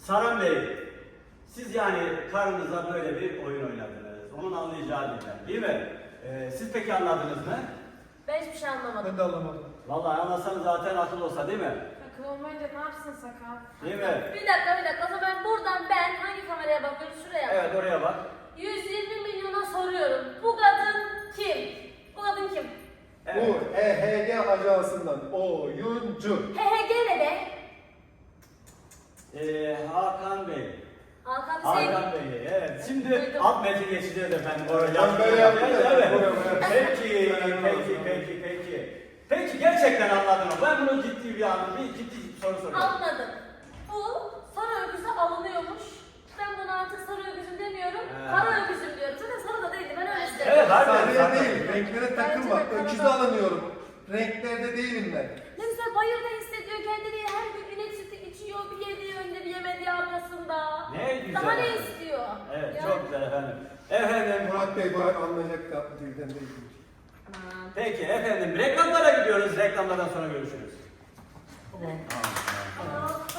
Saran Bey, siz yani karınıza böyle bir oyun oynadınız. Onun anlayacağı dilden, değil mi? Siz peki anladınız mı? Ben hiçbir şey anlamadım. Ben de anlamadım. Vallahi anlasanız zaten akıl olsa, değil mi? Akıl olmayınca ne yapsın sakal? Değil mi? Bir dakika. O zaman buradan ben hangi kameraya bakıyorum? Şuraya. Evet, oraya bak. 120 milyona soruyorum. Bu kadın kim? Bu kadın kim? Evet. Bu EHG ajansından oyuncu. HHG ne be? Hakan Bey. Hakan Hakan Bey, evet. Şimdi Duydum. alt metni geçeceğiz efendim. Oraya Ben böyle yaptım ya, Evet. buraya. Peki. Peki gerçekten anladın mı? Ben bunu ciddi bir soru soruyorum. Anladım. Bu sarı öküze alınıyormuş. Ben buna artık sarı öküzüm demiyorum. Kara öküzüm diyorum. Zaten sarı da değildi. Ben öyle istedim. Evet, harbiden. Sarıya değil, renklere takılma. Bence de Öküzü karadağ. alınıyorum. Renklerde değilim ben. Ne güzel bayırda hissediyor kendini. Her gün inek sütü içiyor. Bir yediği önde bir yemediği arkasında. Ne güzel. Daha ne istiyor? Evet, Yani- çok güzel efendim. Efendim, Murat Bey bu anlayacak da dilden değil. Aman. peki efendim reklamlara gidiyoruz. Reklamlardan sonra görüşürüz. Tamam. Aa.